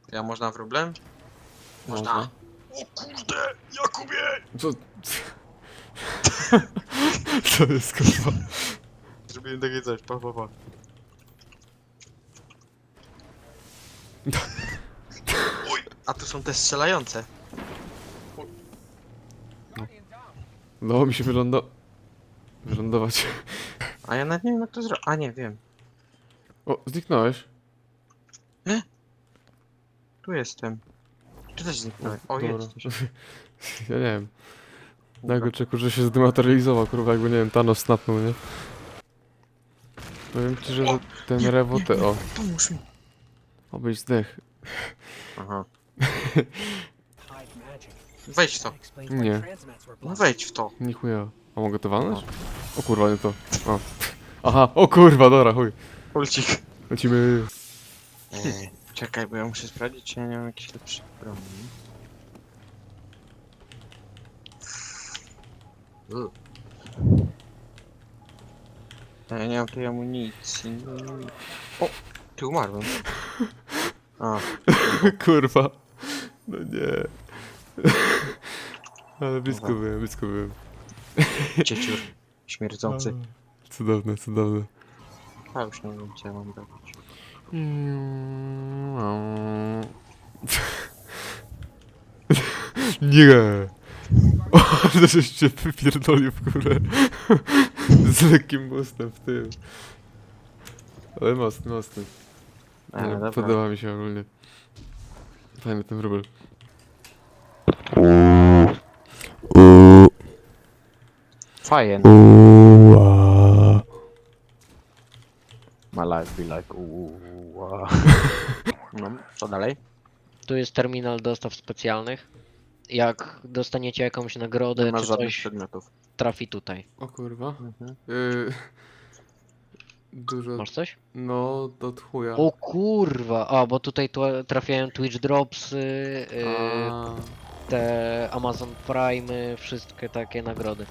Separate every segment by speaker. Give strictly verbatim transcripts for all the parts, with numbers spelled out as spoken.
Speaker 1: Ja można wróblem?
Speaker 2: Można.
Speaker 1: O kurde, Jakubie!
Speaker 2: Co? Co jest kurwa?
Speaker 1: Zrobiłem takie coś, pa, pa, pa. Oj, a tu są te strzelające.
Speaker 2: Udało mi się wylądo... wylądować.
Speaker 1: A ja nawet nie wiem jak to zrobić. A nie, wiem.
Speaker 2: O, zniknąłeś.
Speaker 1: Tu jestem. Ty też zniknąłeś. O,
Speaker 2: Dobra.
Speaker 1: jesteś.
Speaker 2: Ja nie wiem. Nagle czeku, że się zdematerializował, kurwa, jakby nie wiem, Thanos snapnął, nie? Powiem ci, że
Speaker 1: O,
Speaker 2: ten
Speaker 1: nie,
Speaker 2: rewotę, o,
Speaker 1: Pomóż mi.
Speaker 2: obyś zdech.
Speaker 1: Aha. Wejdź w to.
Speaker 2: Nie,
Speaker 1: No wejdź w to.
Speaker 2: nie chuja. A mogę to walnąć? O kurwa, nie to. O. Aha, o kurwa, dobra, chuj.
Speaker 1: Ulcik.
Speaker 2: Lecimy.
Speaker 1: Eee, czekaj, bo ja muszę sprawdzić, czy ja nie mam jakiejś lepszej broni. U. Ja nie mam tej amunicji. O! Ty umarłem. A,
Speaker 2: Kurwa. No nie. Ale blisko
Speaker 1: Dobra.
Speaker 2: byłem, blisko byłem.
Speaker 1: cieciur. Śmierdzący.
Speaker 2: Cudowne, cudowne.
Speaker 1: A już nie wiem, co ja mam robić.
Speaker 2: Nie! O, ale żeś się wypierdolił w górę. Z lekkim mostem w tym. Ale mocny, mocny.
Speaker 1: A,
Speaker 2: Nie,
Speaker 1: dobra.
Speaker 2: podoba mi się ogólnie. Fajny ten wróbel.
Speaker 1: Fajnie. My life be like uuu. No, co dalej?
Speaker 3: Tu jest terminal dostaw specjalnych. Jak dostaniecie jakąś nagrodę
Speaker 1: Nie masz
Speaker 3: czy
Speaker 1: żadnych
Speaker 3: coś,
Speaker 1: przedmiotów.
Speaker 3: trafi tutaj.
Speaker 2: O kurwa.
Speaker 1: Mhm.
Speaker 2: Yy, dużo.
Speaker 3: Masz coś?
Speaker 2: No, do chuja.
Speaker 3: O kurwa! A, bo tutaj tu- trafiają Twitch Dropsy, yy,
Speaker 2: A,
Speaker 3: te Amazon Prime, wszystkie takie nagrody.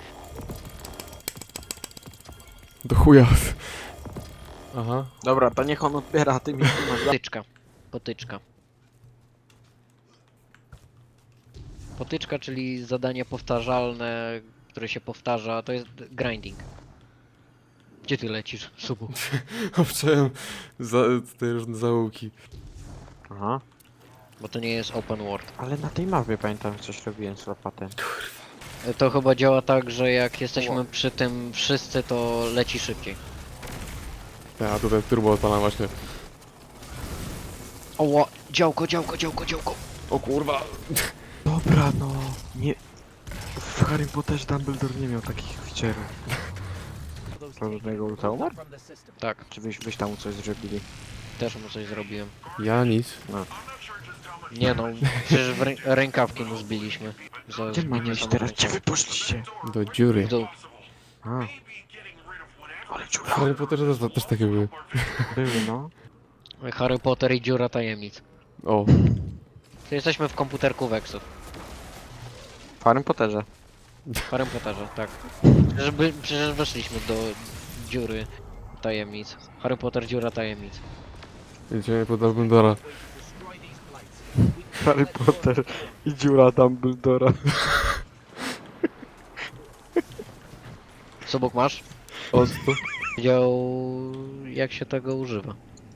Speaker 2: do chuja. Aha.
Speaker 1: Dobra, to niech on odbiera, a ty mi tu masz.
Speaker 3: Potyczka. Potyczka. Potyczka, czyli zadanie powtarzalne, które się powtarza, to jest grinding. Gdzie ty lecisz, subu?
Speaker 2: Obczałem za, te różne zaułki.
Speaker 1: Aha.
Speaker 3: Bo to nie jest open world.
Speaker 1: Ale na tej mapie pamiętam, że coś robiłem z łopatem.
Speaker 3: To chyba działa tak, że jak jesteśmy przy tym wszyscy, to leci szybciej.
Speaker 2: Ja tutaj turbo odpalam właśnie.
Speaker 3: Oła, działko, działko, działko, działko.
Speaker 2: O kurwa.
Speaker 1: Dobra, no. Nie. W Harry Potterze Dumbledore nie miał takich oficerów. Żadnego ulta umarł?
Speaker 3: Tak,
Speaker 1: Czy wyś, wyś tam mu coś zrobili?
Speaker 3: też mu coś zrobiłem.
Speaker 2: Ja nic.
Speaker 3: Nie no, przecież w rę rękawki mu zbiliśmy. Za
Speaker 1: Gdzie mam
Speaker 3: zbicie
Speaker 1: iść teraz? Gdzie
Speaker 3: samoręczne.
Speaker 1: wy poszliście?
Speaker 2: Do dziury.
Speaker 3: W dół.
Speaker 1: A. Ale
Speaker 2: W
Speaker 1: dziura.
Speaker 2: Harry Potterze też, też takie były.
Speaker 1: Były, no.
Speaker 3: Harry Potter i dziura tajemnic.
Speaker 2: O.
Speaker 3: To jesteśmy w komputerku Vexów.
Speaker 1: W Harry Potterze.
Speaker 3: W Harry Potterze, tak. Przecież, by, przecież weszliśmy do dziury tajemnic. Harry Potter, dziura tajemnic.
Speaker 2: Idziemy pod Dumbledora.
Speaker 1: Harry Potter i dziura Dumbledora.
Speaker 3: Co bok masz?
Speaker 2: Octo.
Speaker 3: Wiedział jak się tego używa.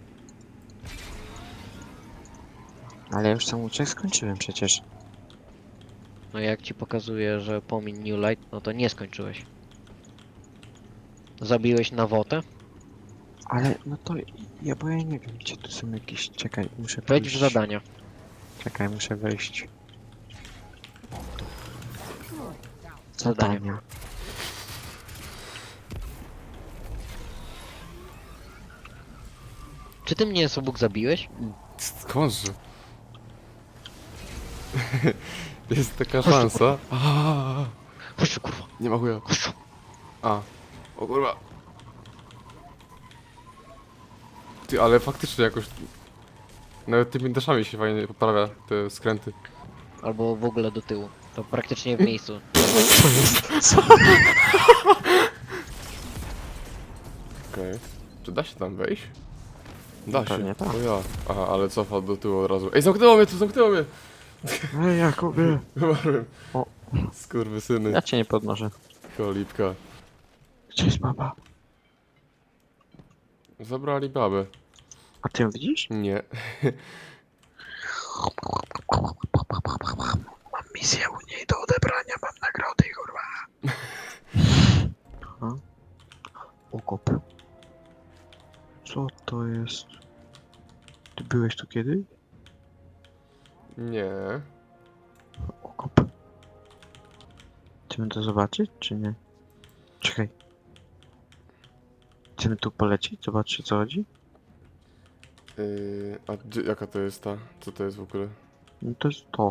Speaker 1: Ale ja już sam uciek skończyłem przecież.
Speaker 3: No jak ci pokazuje, że pomin New Light, no to nie skończyłeś. Zabiłeś nawotę?
Speaker 1: Ale no to ja bo ja nie wiem gdzie tu są jakieś. Czekaj, muszę
Speaker 3: Wejdź
Speaker 1: pójść.
Speaker 3: w zadania.
Speaker 1: Czekaj, muszę wejść.
Speaker 3: Zadanie.
Speaker 1: Zadania.
Speaker 3: Czy ty mnie Sobuk zabiłeś?
Speaker 2: Skądże? Jest taka szansa. Aaaa.
Speaker 3: Chodź tu, kurwa.
Speaker 2: Nie ma chuja.
Speaker 3: Chodź tu.
Speaker 2: A. O kurwa. Ty, ale faktycznie jakoś... Nawet tymi daszami się fajnie poprawia te skręty.
Speaker 3: Albo w ogóle do tyłu. To praktycznie w miejscu.
Speaker 2: Okej. Okay. Czy da się tam wejść? Da się.
Speaker 1: Pewnie tak.
Speaker 2: O ja. Aha, ale cofa do tyłu od razu. Ej, zamknęło mnie tu, zamknęło mnie!
Speaker 1: Ej, Jakubie!
Speaker 2: Wymarłem.
Speaker 1: O.
Speaker 2: Skurwysyny.
Speaker 1: Ja cię nie podnoszę.
Speaker 2: Kolipka.
Speaker 1: Gdzie jest baba?
Speaker 2: Zabrali babę.
Speaker 1: A ty ją widzisz?
Speaker 2: Nie.
Speaker 1: Mam misję u niej do odebrania, mam nagrody, kurwa. Aha. Okop. Co to jest? Ty byłeś tu kiedyś?
Speaker 2: Nie.
Speaker 1: Okop. Chcemy to zobaczyć, czy nie? Czekaj. Chcemy tu polecieć, zobaczyć o co chodzi?
Speaker 2: Yy, a gdzie, jaka to jest ta? Co to jest w ogóle?
Speaker 1: No to jest to.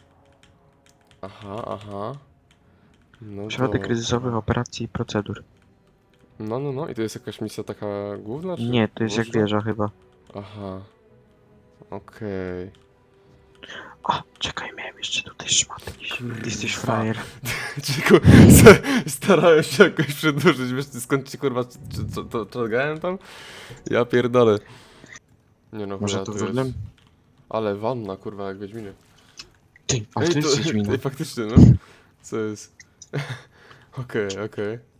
Speaker 2: Aha, aha. No
Speaker 1: Środek
Speaker 2: dobra.
Speaker 1: kryzysowych operacji i procedur.
Speaker 2: No, no, no. I to jest jakaś misja taka główna, czy
Speaker 1: Nie, to jest jak
Speaker 2: boczna?
Speaker 1: wieża chyba.
Speaker 2: Aha. Okej.
Speaker 1: O, czekaj, miałem jeszcze tutaj szmaty. Ty jesteś
Speaker 2: Kurwa.
Speaker 1: frajer.
Speaker 2: Ciku, starałem się jakoś przedłużyć, wiesz ty skąd ci kurwa c- c- co- to czekałem tam? Ja pierdolę. Nie no,
Speaker 1: Może
Speaker 2: chuja,
Speaker 1: to
Speaker 2: tu
Speaker 1: problem?
Speaker 2: jest. Ale wanna kurwa jak Wiedźminie.
Speaker 1: Ty, a to
Speaker 2: Ej,
Speaker 1: jest
Speaker 2: to,
Speaker 1: Wiedźmina.
Speaker 2: ej, faktycznie no. Co jest? Okej, okej.